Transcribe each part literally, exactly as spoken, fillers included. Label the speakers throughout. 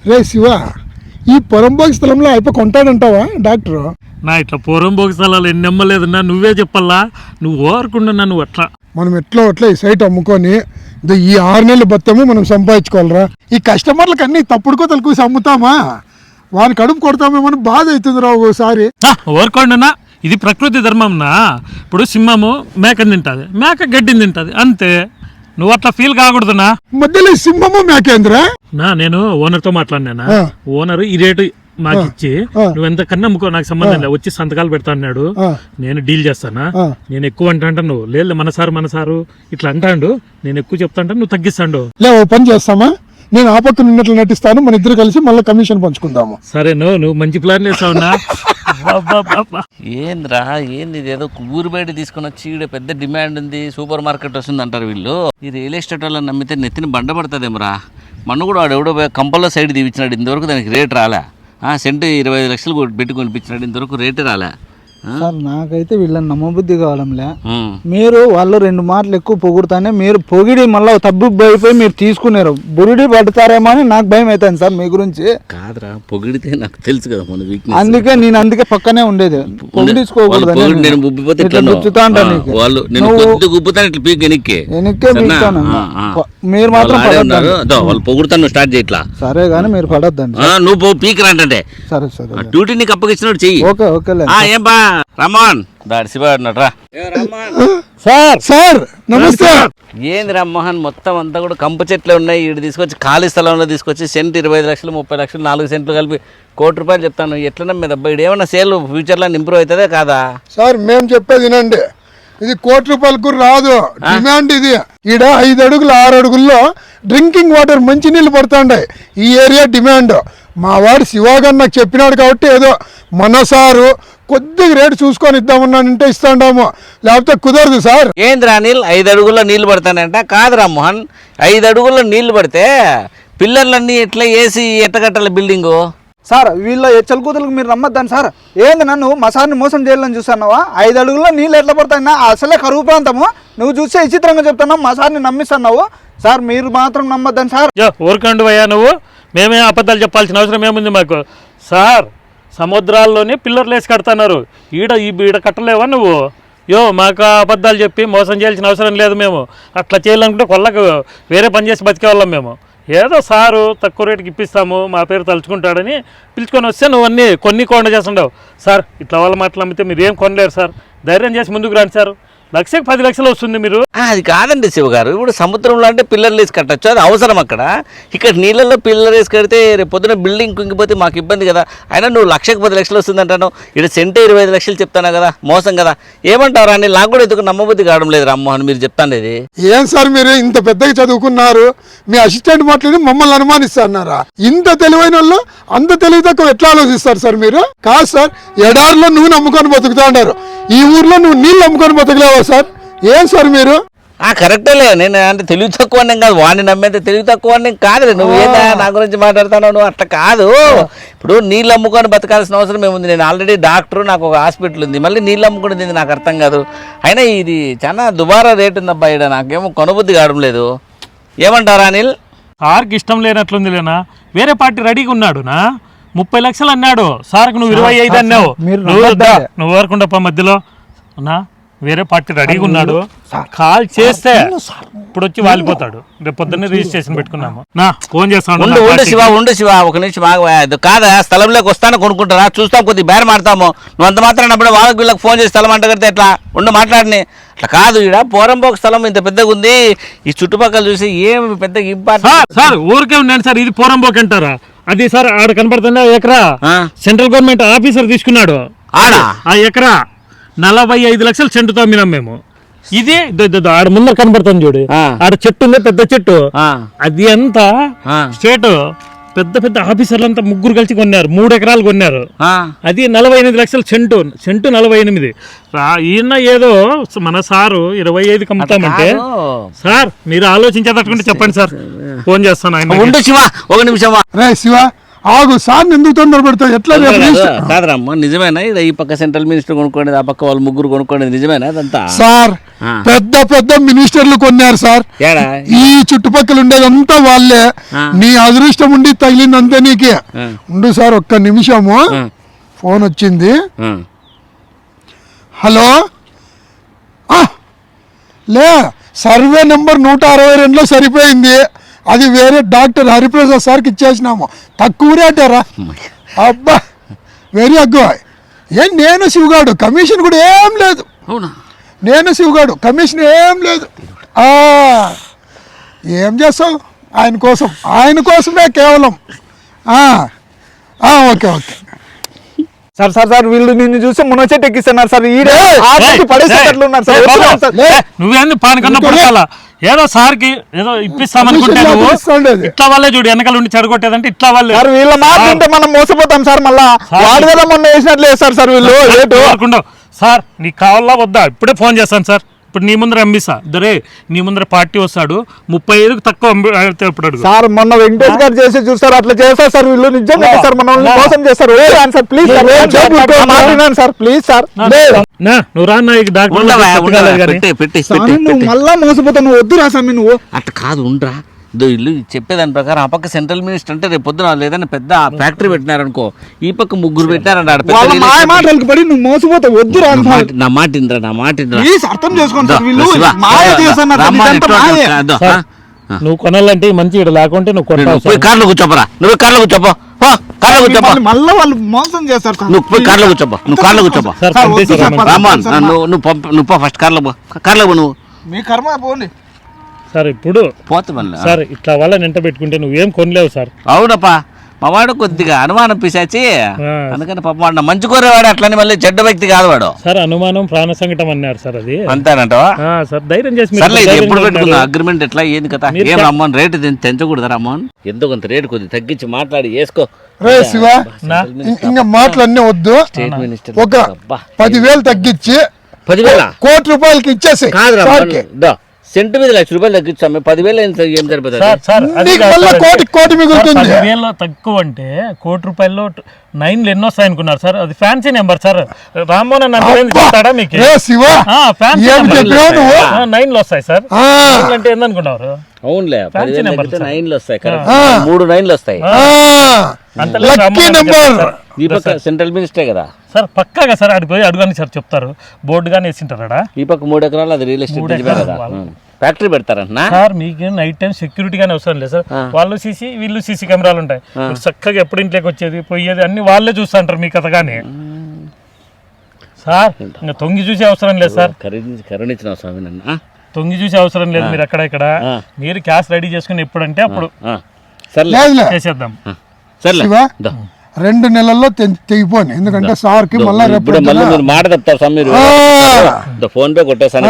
Speaker 1: రే శివ, ఈ పొరంబోగి స్థలంలో అయిపో కొంటాడంటావా డాక్టర్?
Speaker 2: నా ఇట్లా పొరంబోగి స్థలాలు ఎన్ని నమ్మలేదన్నా, నువ్వే చెప్పల్లా. నువ్వు ఓరకుండా నువ్వు అట్లా
Speaker 1: మనం ఎట్లా అట్లా ఈ సైట్ అమ్ముకొని ఈ ఆరు నెలలు బతము మనం సంపాదించుకోవాలరా. ఈ కస్టమర్లకు అన్ని తప్పుడు కోతలు కూసి అమ్ముతామా, వాని కడుపు కొడతామేమని బాధ అవుతుంది రా ఒకసారి.
Speaker 2: ఓరకుండా ఇది ప్రకృతి ధర్మంనా. ఇప్పుడు సింహము మేకని తింటుంది, మేక గడ్డిని తింటుంది, అంతే. నువ్వు అట్లా ఫీల్ కాకూడదునా.
Speaker 1: మధ్యలో సింహము మేకేంద్ర
Speaker 2: నా నేను ఓనర్తో మాట్లాడినా. ఓనర్ ఈ రేటు మాకు ఇచ్చి నువ్వు ఎంత కన్నా అమ్ముకో, నాకు సంబంధం లేదు, వచ్చి సంతకాలు పెడతా అన్నాడు. నేను డీల్ చేస్తానా, నేను ఎక్కువ అంటా అంటాను, నువ్వు లేదు మన సారు మన సారు ఇట్లా అంటాడు, నేను ఎక్కువ చెప్తా అంటాను, నువ్వు తగ్గిస్తాడు.
Speaker 1: లే ఓ పని చేస్తామా, నేను ఆ పక్కన ఉన్నట్లు నటిస్తాను, మన ఇద్దరు కలిసి మళ్ళీ కమిషన్ పంచుకుందాము.
Speaker 2: సరే నువ్వు నువ్వు మంచి ప్లాన్ చేస్తావునా.
Speaker 3: ఏంద్రా ఏంది, ఇదేదో ఊరు బయట తీసుకుని వచ్చి ఈడ పెద్ద డిమాండ్ ఉంది, సూపర్ మార్కెట్ వస్తుంది అంటారు వీళ్ళు. ఈ రియల్ ఎస్టేట్ వాళ్ళని నమ్మితే నెత్తిని బండ పడుతుందేమరా. మొన్న కూడా వాడు ఎవడో కంపల్లో సైడ్ తీపించినాడు, ఇంతవరకు దానికి రేట్ రాలే. సెంటు ఇరవై ఐదు లక్షలు పెట్టి కొనిపించినాడు, ఇంతవరకు రేటే రాలే.
Speaker 4: సార్ నాకైతే వీళ్ళని నమ్మబుద్ధి కావడంలే. మీరు వాళ్ళు రెండు మాటలు ఎక్కువ పొగుడుతానే మీరు పొగిడి మళ్ళీ తబ్బు అయిపోయి మీరు తీసుకున్నారు, బురిడి పడతారేమో అని నాకు భయం అవుతుంది సార్ మీ గురించి.
Speaker 3: కాదురా, పొగిడితే నాకు తెలుసు కదా మన వీక్నెస్,
Speaker 4: అందుకే నేను అందుకే పక్కనే ఉండేది. పొగిడించుకోకూడదు, మీరు మాత్రం
Speaker 3: వాళ్ళు పొగుడుతాను స్టార్ట్ చేయట్లా.
Speaker 4: సరే గానీ మీరు పడొద్దండి,
Speaker 3: నువ్వు పీక్ రంటే.
Speaker 4: సరే సరే
Speaker 3: డ్యూటీ నీకు అప్పగించినట్టు చెయ్యి.
Speaker 4: ఓకే ఓకే
Speaker 3: ఏం బా రమ్మోహన్ దాడి శివాడినట్రా.
Speaker 1: సార్ సార్ నమస్తే.
Speaker 3: ఏంది రమ్మోహన్, మొత్తం అంతా కూడా కంప చెట్లే ఉన్నాయి, ఇటు తీసుకొచ్చి ఖాళీ స్థలంలో తీసుకొచ్చి సెంట్ ఇరవై ఐదు లక్షలు ముప్పై లక్షలు నాలుగు సెంట్లు కలిపి కోటి రూపాయలు చెప్తాను. ఎట్లన్నా మీద అబ్బాయి ఇటు ఏమన్నా సేల్ ఫ్యూచర్లో ఇంప్రూవ్ అవుతుందే కాదా?
Speaker 1: సార్ మేము చెప్పేది వినండి, ఇది కోటి రూపాయలకు రాదు డిమాండ్. ఇది ఈడ ఐదు అడుగులు ఆరు అడుగుల్లో డ్రింకింగ్ వాటర్ మంచి నీళ్ళు పడుతుంటాయి, ఈ ఏరియా డిమాండ్. మా వాడు శివాగారు నాకు చెప్పినాడు కాబట్టి ఏదో మన సారు కొద్దిగా రేటు చూసుకొని ఇద్దామన్నానంటే ఇస్తాండాము, లేకపోతే కుదరదు సార్.
Speaker 3: ఏంద్రా నీళ్ళు ఐదు అడుగుల్లో నీళ్లు పడతానంట? కాదురా మోహన్, ఐదు అడుగుల్లో నీళ్లు పడితే పిల్లర్లన్నీ ఎట్లా వేసి ఎట్టగట్టాల బిల్డింగు?
Speaker 4: సార్ వీళ్ళ ఎచ్చల కూతులకు మీరు నమ్మద్దాను సార్. ఏంది నన్ను మా సార్ని మోసం చేయాలని చూస్తున్నావా? ఐదు అడుగుల్లో నీళ్ళు ఎట్లా పడతాయినా, అసలే కరువు ప్రాంతము, నువ్వు చూస్తే విచిత్రంగా చెప్తున్నావు, మా సార్ని నమ్మిస్తున్నావు. సార్ మీరు మాత్రం నమ్మద్దాను సార్.
Speaker 2: ఊరుకండు అయ్యా, నువ్వు మేమే అబద్ధాలు చెప్పాల్సిన అవసరం ఏముంది మాకు? సార్ సముద్రాల్లోనే పిల్లర్లు వేసి కడుతున్నారు, ఈడ ఈ ఈడ కట్టలేవా నువ్వు? యో మాకు అబద్ధాలు చెప్పి మోసం చేయాల్సిన అవసరం లేదు. మేము అట్లా చేయాలనుకుంటే కొల్లకు వేరే పని చేసి బతికే వాళ్ళం మేము. ఏదో సారు తక్కువ రేటుకి ఇప్పిస్తాము, మా పేరు తలుచుకుంటాడని పిలుచుకొని వస్తే నువ్వు అన్నీ కొన్ని కొండ చేస్తుండవు. సార్ ఇట్లా వాళ్ళ మాటలు అమ్మితే మీరు ఏం కొనలేరు సార్, ధైర్యం చేసి ముందుకు రండి సార్. లక్షకి పది లక్షలు వస్తుంది మీరు.
Speaker 3: అది కాదండి శివగారు, ఇప్పుడు సముద్రంలో అంటే పిల్లర్లు వేసి కట్టచ్చు, అది అవసరం అక్కడ. ఇక్కడ నీళ్ళల్లో పిల్లర్ వేసి కడితే రేపు పొద్దున బిల్డింగ్ కుంగిపోతే మాకు ఇబ్బంది కదా. అయినా నువ్వు లక్షకి పది లక్షలు వస్తుంది అంటాను, ఇక్కడ సెంటే ఇరవై ఐదు లక్షలు చెప్తానా కదా, మోసం కదా. ఏమంటావు రాని, నాకు కూడా ఎందుకు నమ్మబుద్ధి కావడం లేదు రామ్మోహన్ మీరు చెప్తాను. ఇది
Speaker 1: ఏం సార్ మీరు ఇంత పెద్దగా చదువుకున్నారు, మీ అసిస్టెంట్ మాట్లాడి మమ్మల్ని అనుమానిస్తున్నారా? ఇంత తెలివైన వాళ్ళు అంత తెలివి తక్కువ ఎట్లా ఆలోచిస్తారు సార్ మీరు? కాదు సార్, ఎడారిలో నువ్వు నమ్ముకొని బతుకుతా ఉన్నారు, ఈ ఊర్లో నువ్వు నీళ్ళు నమ్ముకొని బతకలేవా సార్? ఏం సార్ మీరు?
Speaker 3: కరెక్టేలే, నేను అంటే తెలివి తక్కువ కాదు, వాడిని నమ్మేది తెలివి తక్కువ కాదులే. నువ్వు ఏదా నా గురించి మాట్లాడుతున్నావు, నువ్వు అట్లా కాదు. ఇప్పుడు నీళ్ళు అమ్ముకొని బతకాల్సిన అవసరం ఏముంది? నేను ఆల్రెడీ డాక్టర్, నాకు ఒక హాస్పిటల్ ఉంది, మళ్ళీ నీళ్ళు అమ్ముకునేది నాకు అర్థం కాదు. అయినా ఇది చాలా దుబారా రేటు ఉంది అబ్బా, ఇక్కడ నాకేమో కొనబుద్ధి కావడం లేదు. ఏమంటారా అనిల్?
Speaker 2: సార్కి ఇష్టం లేనట్లుంది లేనా, వేరే పార్టీ రెడీగా ఉన్నాడు నా, ముప్పై లక్షలు అన్నాడు సార్కి, నువ్వు ఇరవై ఐదు అన్నావు. నువ్వు నువ్వు వరకుండప్ప మధ్యలో అన్నా, వేరే పార్టీ రెడీగా ఉన్నాడు, కాల్ చేస్తే ఇప్పుడు వచ్చి వాలిపోతాడు. రేపు పొద్దున్నే రిజిస్ట్రేషన్ పెట్టుకున్నాము. నా ఫోన్ చేస్తాను.
Speaker 3: ఉండు శివ, ఉండు శివ, ఒక నిమిషం ఆగు. కాదా స్థలంలోకి వస్తాను కొనుక్కుంటారా, చూస్తాం, కొద్దిగా బేర మాడతాము. నువ్వు అంత మాత్రం అప్పుడు వాళ్ళకి వీళ్ళకి ఫోన్ చేసి స్థలం అంట కడితే ఎట్లా? ఉండు మాట్లాడిని. అట్లా కాదు, ఇక్కడ పోరంబోక స్థలం ఇంత పెద్దగా ఉంది, ఈ చుట్టుపక్కల చూసి ఏమి పెద్ద ఇంపార్టెంట్.
Speaker 2: సార్ ఊరికే ఉన్నాను సార్, ఇది పోరంబోక అంటారా? అది సార్ ఆడ కనపడుతుందా ఎకరా, సెంట్రల్ గవర్నమెంట్ ఆఫీసర్ తీసుకున్నాడు ఆడ ఆ ఎకరా నలభై ఐదు లక్షలు చెంటుతో అమ్మినాం మేము. ఇది ఆడ ముందర కనబడుతుంది చూడు, ఆడ చెట్టు ఉంది పెద్ద చెట్టు, అది అంతా స్టేట్ పెద్ద పెద్ద ఆఫీసర్లు అంతా ముగ్గురు కలిసి కొన్నారు, మూడు ఎకరాలు కొన్నారు. అది నలభై ఎనిమిది లక్షలు చెంటు, చెంటు నలభై ఎనిమిది. ఈయన ఏదో మన సారు ఇరవై ఐదు కమ్ముతామంటే, సార్ మీరు ఆలోచించేటట్టుకుంటే చెప్పండి సార్, ఫోన్ చేస్తాను ఆయన.
Speaker 3: శివ ఒక నిమిషం
Speaker 1: శివ ఆగు సార్, ఎందుకు తొందర పెడతావు? ఎట్లా
Speaker 3: కాదరమ్మా, నిజమేనా ఈ పక్క సెంట్రల్ మినిస్టర్ కొనుక్కోండి, ఆ పక్క వాళ్ళు ముగ్గురు కొనుక్కోండి, నిజమేనా అదంతా?
Speaker 1: సార్ పెద్ద పెద్ద మినిస్టర్లు కొన్నారు సార్.
Speaker 3: ఏడా
Speaker 1: ఈ చుట్టుపక్కల ఉండేదంతా వాళ్ళే. నీ అదృష్టం ఉండి తగిలిందంతే నీకే. ఉండు సార్ ఒక్క నిమిషము, ఫోన్ వచ్చింది. హలో, లే సర్వే నెంబర్ నూట అరవై రెండులో సరిపోయింది. అది వేరే డాక్టర్ హరిప్రసాద్ సార్కి ఇచ్చేసినాము. తక్కువ రేటారా? అబ్బా వెరీ అగ్గు. ఏం నేను శివగాడు, కమిషన్ కూడా ఏం లేదు.
Speaker 3: అవునా?
Speaker 1: నేను శివగాడు, కమిషన్ ఏం లేదు. ఆ, ఏం చేస్తావు ఆయన కోసం, ఆయన కోసమే కేవలం. ఆ, ఆ, okay okay
Speaker 4: sir sir sir వీళ్ళు నిన్ను చూసి మునగ చెట్టు ఎక్కిస్తున్నారు సార్. ఈడే ఆటకి పడేసేటట్లు ఉన్నారు సార్. వద్దు సార్.
Speaker 2: నువ్వేంది పానకన్నా పడతాలా? ఏదో సార్కి ఏదో ఇప్పిస్తామనుకుంటే నువ్వు ఇట్లా వాళ్ళే చూడు, వెనకాల ఉండి చెడగొట్టేదంటే ఇట్లా వాళ్ళే.
Speaker 4: సార్ వీళ్ళ మాట వింటే మనం మోసపోతాం సార్. మళ్ళా వాడు కదా మొన్న వేసినట్లు వేస్తారు సార్ వీళ్ళు. ఏటు
Speaker 2: సార్ నీకు కావాలా వద్దా? ఇప్పుడే ఫోన్ చేస్తాను సార్. ఇప్పుడు నీ ముందర అమ్మిస్తా దరే, నీ ముందర పార్టీ వస్తాడు, ముప్పై ఐదుకు తక్కువ ఇప్పుడు అడుగు
Speaker 4: సార్. మొన్న వెంకటేష్ గారు చేసి చూస్తారు, అట్లా చేస్తారు సార్ వీళ్ళు. నిజంగా సార్ మనల్ని మోసం చేస్తారు. Sir please sir, sir please sir.
Speaker 2: నువ్వు రా
Speaker 4: నువ్వు మళ్ళా మోసపోతావు. నువ్వు వద్దు రా స్వామి. నువ్వు
Speaker 3: అట్లా కాదు, ఉండరా. ఇదో ఇల్లు చెప్పేదాని ప్రకారం ఆ పక్క సెంట్రల్ మినిస్టర్ అంటే రేపు పొద్దున లేదని పెద్ద ఫ్యాక్టరీ పెట్టినారనుకో, ఈ పక్క ముగ్గురు పెట్టారంట.
Speaker 4: మాటలకు పడి నువ్వు మోసపోతావు. వద్దు రా.
Speaker 3: నా మాట ఇంద్రా, నా మాట ఇంద్రా.
Speaker 4: ప్లీజ్ అర్థం చేసుకోండి సార్. వీళ్ళు మాయ చేస్తున్నారు.
Speaker 2: నువ్వు కొనాలంటే మంచి ఇక్కడ లేకుంటే నువ్వు కొట్టావు.
Speaker 3: కార్లో కూర్చోపరా, నువ్వు కార్లో కూర్చోపో, కార్లో కూర్చోపో.
Speaker 4: మళ్ళీ వాళ్ళు మోసం చేస్తారు సార్.
Speaker 3: నువ్వు పోయి కార్లో కూర్చోపో, నువ్వు కార్లో కూర్చోపో. రామాన్ నువ్వు నువ్వు నువ్వు ఫస్ట్ కార్లో పో, కార్లో పో. నువ్వు
Speaker 4: మీ కర్మ పోండి
Speaker 2: సార్. ఇప్పుడు
Speaker 3: పోతే మళ్ళీ
Speaker 2: సార్ ఇట్లా వాళ్ళ నింట పెట్టుకుంటే నువ్వేం కొనలేవు సార్.
Speaker 3: అవునప్పా, మా వాడు కొద్దిగా అనుమానం పిశాచి, అందుకని పాప వాడు మంచి కోరేవాడు, అట్లని మళ్ళీ చెడ్డ వ్యక్తి కాదు వాడు.
Speaker 2: సార్ అనుమానం ప్రాణ సంకటం అన్నారు సార్. అది
Speaker 3: అంతేనంటవా?
Speaker 2: సార్ ధైర్యం చేసి
Speaker 3: సర్లే, ఎప్పుడు పెట్టుకున్నా అగ్రిమెంట్ ఎట్లా ఏంది కదా? ఏం రమ్మని రేటు తెంచకూడదా రమ్మని? ఎంతో కొంత రేటు కొద్దిగా తగ్గించి మాట్లాడి వేసుకో.
Speaker 1: రే శివ, ఇంకా మాటలన్నీ వద్దు.
Speaker 3: స్టేట్ మినిస్టర్
Speaker 1: ఒక పదివేలు తగ్గించి
Speaker 3: పదివేల
Speaker 1: కోటి రూపాయలకి ఇచ్చేసి
Speaker 3: సెంటు మీద లక్ష రూపాయలు తగ్గించాము. పదివేలు ఏం సరిపోతుంది?
Speaker 1: కోటి కోటి మిగులుతుంది.
Speaker 2: పదివేల తక్కువ అంటే కోటి రూపాయల్లో నైన్లు ఎన్నో వస్తాయి అనుకున్నారు సార్. అది ఫ్యాన్సీ నెంబర్ సార్. రామ్మోహన్ చెప్తాడా మీకు? నైన్లు వస్తాయి సార్. అంటే ఏందనుకున్నారు?
Speaker 3: అవునులే, నైన్లు వస్తాయి, మూడు నైన్లు వస్తాయి. ఈ పక్క సెంట్రల్ మినిస్టరే కదా
Speaker 2: సార్, పక్కాగా సార్. అడిగి పోయి అడుగుని సార్ చెప్తారు. బోర్డు గానీ వేసింటారా?
Speaker 3: ఈ పక్క మూడు ఎకరాలు అది రియల్ ఎస్టేట్ కదా, ఫ్యాక్టరీ పెడతారంట
Speaker 2: సార్. మీకు నైట్ టైం సెక్యూరిటీ గానీ అవసరం లేదు సార్. వాళ్ళు సీసీ వీళ్ళు సీసీ కెమెరాలు ఉంటాయి. చక్కగా ఎప్పుడు ఇంట్లోకి వచ్చేది పోయేది అన్ని వాళ్ళే చూస్తుంటారు మీ కథ కానీ సార్. ఇంకా తొంగి చూసే అవసరం లేదు సార్.
Speaker 3: కరుణించిన స్వామి నన్ను
Speaker 2: తొంగి చూసే అవసరం లేదు. మీరు అక్కడ ఇక్కడ మీరు క్యాష్ రెడీ చేసుకుని ఎప్పుడంటే అప్పుడు చేసేద్దాం.
Speaker 3: సరే,
Speaker 1: రెండు నెలల్లో తెగిపోయి. ఎందుకంటే సార్ కి మళ్ళీ రేపు
Speaker 3: మీరు మాట చెప్తారు సార్. మీరు ఫోన్ పే కొట్టేసాను.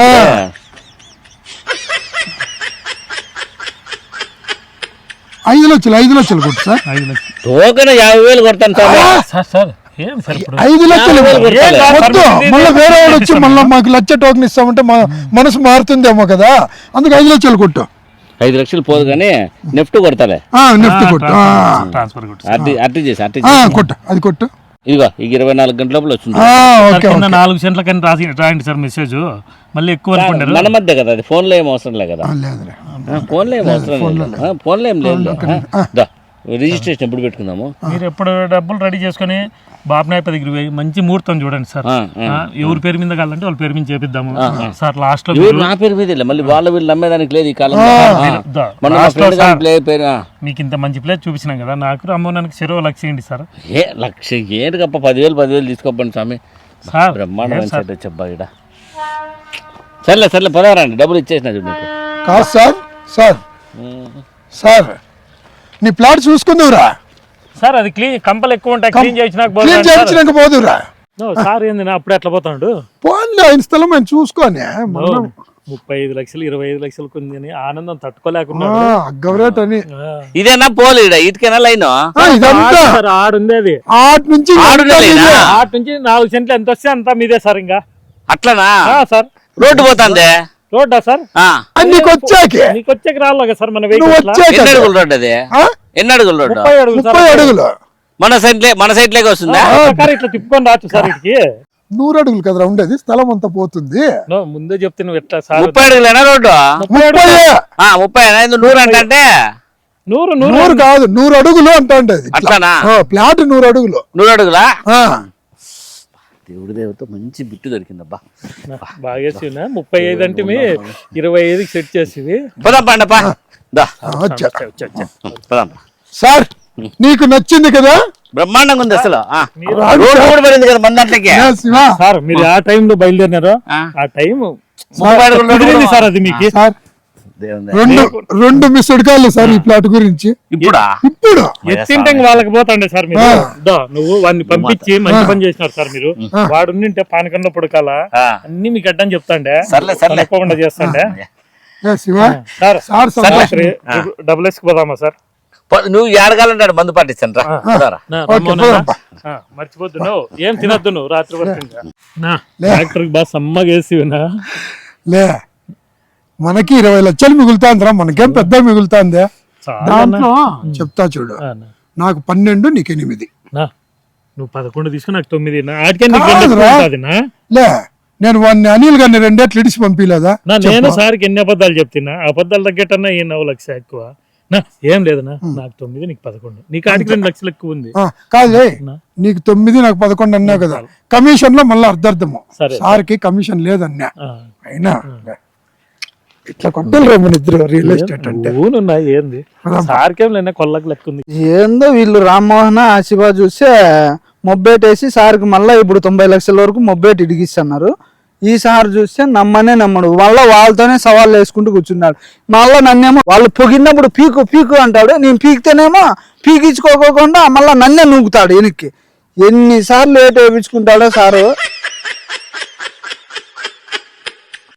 Speaker 1: ఐదు లక్షలు ఐదు లక్షలు కొట్టు సార్.
Speaker 2: ఐదు లక్షలు
Speaker 3: టోకెన్ యాభై వేలు కొడతాను సార్.
Speaker 2: సార్ సార్ ఏం సార్
Speaker 1: ఐదు లక్షలు వద్దు. మళ్ళీ వేరే వాడు వచ్చి మళ్ళీ మాకు లక్ష టోకెన్ ఇస్తామంటే మా మనసు మారుతుందేమో కదా, అందుకు ఐదు లక్షలు కొట్టు.
Speaker 3: ఐదు లక్షలు పోదు కానీ నెఫ్ట్ కొడతాలే.
Speaker 1: నెఫ్ట్ కొట్టు,
Speaker 3: అట్టి అట్టి చేసి అట్టి
Speaker 1: కొట్టు, అది కొట్టు.
Speaker 3: ఇదిగో ఈ ఇరవై నాలుగు గంటల లోపల వచ్చింది.
Speaker 2: నాలుగు సెంట్ల కానీ రాసి రాయండి సార్ మెసేజ్. మళ్ళీ ఎక్కువ అనుకుంటారు.
Speaker 3: మన మధ్య కదా అది, ఫోన్లో ఏం అవసరం లేదు కదా. ఫోన్లో ఏం అవసరం లేదు, ఫోన్లో ఏం లేదు. రిజిస్ట్రేషన్ ఎప్పుడు పెట్టుకుందాము?
Speaker 2: మీరు ఎప్పుడు డబ్బులు రెడీ చేసుకుని బాబు నాయప దగ్గర పోయి మంచి ముహూర్తం చూడండి సార్. ఎవరి పేరు మీద కావాలంటే వాళ్ళ పేరు మీద చేపిద్దాము సార్. లాస్ట్ లో
Speaker 3: నా పేరు మీద మళ్ళీ వాళ్ళ వీళ్ళు నమ్మేదానికి లేదు ఈ కాలం.
Speaker 2: మీకు ఇంత మంచి ప్లేస్ చూపించినాం కదా, నాకు రమ్మోనానికి చెరువు లక్ష ఏంటి సార్.
Speaker 3: ఏ లక్ష ఏంటి కప్ప, పదివేలు పదివేలు తీసుకోపండి స్వామి.
Speaker 2: సార్
Speaker 3: బ్రహ్మాండం చెప్పా ఇక్కడ. సర్లే సర్లే పదహారండి, డబ్బులు ఇచ్చేసిన చూడు నీకు.
Speaker 1: కాదు సార్. సార్ సార్ నీ ప్లాట్ చూసుకుందురా
Speaker 2: సార్. అది క్లీన్ కంపలు ఎక్కువ ఉంటాయి, క్లీన్
Speaker 1: చేయించినాక పోదురా
Speaker 2: సార్. ఏంది అప్పుడు ఎట్లా పోతాడు?
Speaker 1: పోన్లే, ఆయన స్థలం మేము చూసుకొని
Speaker 2: ముప్పై ఐదు లక్షలు ఇరవై ఐదు లక్షలు కొంది ఆనందం తట్టుకోలేకున్నాడు.
Speaker 1: అగ్గవరేట్ అని
Speaker 3: ఇదేనా పోలే ఇటుకేనా లైన్
Speaker 2: ఆడుంది. అది
Speaker 1: ఆటి నుంచి
Speaker 2: ఆటి నుంచి నాలుగు సెంట్లు ఎంత వస్తే అంతా మీదే సార్. ఇంకా
Speaker 3: అట్లనా
Speaker 2: సార్?
Speaker 3: రోడ్డు పోతుంది.
Speaker 2: రోడ్డా సార్?
Speaker 1: నీకు వచ్చాక
Speaker 2: నీకు వచ్చాక రాలేగా సార్ మన
Speaker 3: ఎన్ని అడుగులు రోడ్డు? అది ఎన్ని అడుగులు రోడ్డు?
Speaker 1: ముప్పై అడుగులు.
Speaker 3: మన సైడ్ మన సైడ్ లేక వస్తుందా?
Speaker 2: ఇట్లా తిప్పుకొని రావచ్చు సార్. ఇటుకి
Speaker 1: నూరు అడుగులు కదరా ఉండేది, స్థలం అంతా పోతుంది.
Speaker 2: నో, ముందే చెప్తే నువ్వు ఎట్లా సార్
Speaker 3: ముప్పై అడుగులేనా రోడ్డు?
Speaker 1: ముప్పై
Speaker 3: ఆ, ముప్పై ఐదు నూరు అంటే
Speaker 2: నూరు నూరు
Speaker 1: నూరు కాదు, నూరు అడుగులు అంటా ఉండేది.
Speaker 3: అట్లానా?
Speaker 1: ప్లాట్ నూరు అడుగులు.
Speaker 3: నూరు అడుగులా?
Speaker 1: ఆ,
Speaker 3: దేవుడి దేవతో మంచి బిట్టు దొరికిందబ్బా.
Speaker 2: బాగా చేసినా ముప్పై ఐదు అంటే మీ ఇరవై ఐదుకి సెట్ చేసి
Speaker 3: పోదాం పండప్ప. దా
Speaker 1: ఆ, వచ్చా.
Speaker 3: పోదాం.
Speaker 1: సార్ నీకు నచ్చింది కదా?
Speaker 3: బ్రహ్మాండంగా ఉంది అసలు. ఆ, రోడ్డు కూడా పడింది కదా మన దాంట్లోకి.
Speaker 1: ఏ శివ,
Speaker 2: సార్ మీరు ఆ టైంలో బయలుదేరినారు,
Speaker 3: ఆ.
Speaker 2: ఆ టైం
Speaker 3: ముప్పై అడుగులు రోడ్డు
Speaker 2: కుదిరింది
Speaker 3: కూడా-
Speaker 2: సార్ అది మీకు.
Speaker 1: సార్
Speaker 3: దేవుని
Speaker 1: రెండు రెండు మిస్డ్ కాళ్ళు సార్ ఈ ప్లాట్ గురించి.
Speaker 3: ఇప్పుడా?
Speaker 1: ఇప్పుడు
Speaker 2: ఎత్తింటే ఇంక వాళ్ళకి పోతాండే సార్ మీరు.
Speaker 1: ఆ.
Speaker 2: దో, నువ్వు వాడిని పంపించి మంచి పని చేసినారు సార్ మీరు. వాడు ఉండింటే పానకంలో పుడకాల
Speaker 3: ఆ.
Speaker 2: అన్ని మీకు అడ్డం చెప్తాండే,
Speaker 3: సర్లే సర్లే.
Speaker 2: తప్పకుండా చేస్తాండే.
Speaker 1: ఏ శివ,
Speaker 2: సార్
Speaker 1: సార్ సంభాషణ.
Speaker 2: డబుల్ ఎస్ పోదామా సార్?
Speaker 3: పో- నువ్వు ఏడగాలంటాడు మందు పట్టించాను రా. పోదారా.
Speaker 2: నా,
Speaker 1: ఓకే,
Speaker 2: రమ్మన్నా?
Speaker 1: పోదాంపా.
Speaker 2: ఆ, మర్చిపోద్దు నువ్వు ఏం తినద్దు నువ్వు రాత్రి వరకు ఇంకా. నా డాక్టర్ బాగా సమ్మగా వేసివినా.
Speaker 1: లే, మనకి ఇరవై లక్షలు మిగులుతాందిరా, మనకేం పెద్ద మిగులుతాందే. దాంట్లో చెప్తా చూడు, నాకు పన్నెండు నీకు ఎనిమిది.
Speaker 2: నా నువ్వు పదకొండు తీసుకుని నాకు తొమ్మిది. నా ఆటికే నీకు
Speaker 1: కాదురా.
Speaker 2: రెండు ఎక్కువ ఉంటుంది నా.
Speaker 1: లే, నేను వాడిని అనిల్ గారిని రెండేట్లు ఇడిచి పంపిలేదా?
Speaker 2: నా నేను సార్కి ఎన్ని అబద్ధాలు చెప్తున్నా, అబద్ధాలు తగ్గట్టన్నా ఈ నవ్వు లక్ష ఎక్కువ. నా ఏం లేదనా, నాకు తొమ్మిది నీకు పదకొండు, నీకు ఆటికి రెండు లక్షలు ఎక్కువ ఉంది.
Speaker 1: ఆ, కాదులే, నీకు తొమ్మిది నాకు పదకొండు అన్నావు కదా, కమిషన్ లో మళ్ళీ అర్ధర్థము.
Speaker 2: సరే.
Speaker 1: సార్కి కమిషన్ లేదన్నా,
Speaker 2: ఆ.
Speaker 1: అయినా ఇట్లా కొట్టాలి రా మన ఇద్దరు రియల్ ఎస్టేట్ అంటే.
Speaker 2: ఊనున్నా ఏంది సార్కేం లేనా కొల్లకి లెక్క ఉంది.
Speaker 4: ఏందో వీళ్ళు రామ్మోహన్ ఆశిబా చూస్తే మొబ్బేటేసి సార్కి మళ్ళీ ఇప్పుడు తొంభై లక్షల వరకు మొబ్బేటి ఇడిగిస్తున్నారు. ఈ సార్ చూస్తే నమ్మనే నమ్మడు, మళ్ళీ వాళ్ళతోనే సవాళ్ళు వేసుకుంటూ కూర్చున్నాడు. మళ్ళీ నన్నేమో వాళ్ళు పొగినప్పుడు పీకు పీకు అంటాడు, నేను పీకితేనేమో పీకించుకోకుండా మళ్ళీ నన్నే నూకుతాడు వెనక్కి. ఎన్నిసార్లు లేట్ వేయించుకుంటాడో సారు.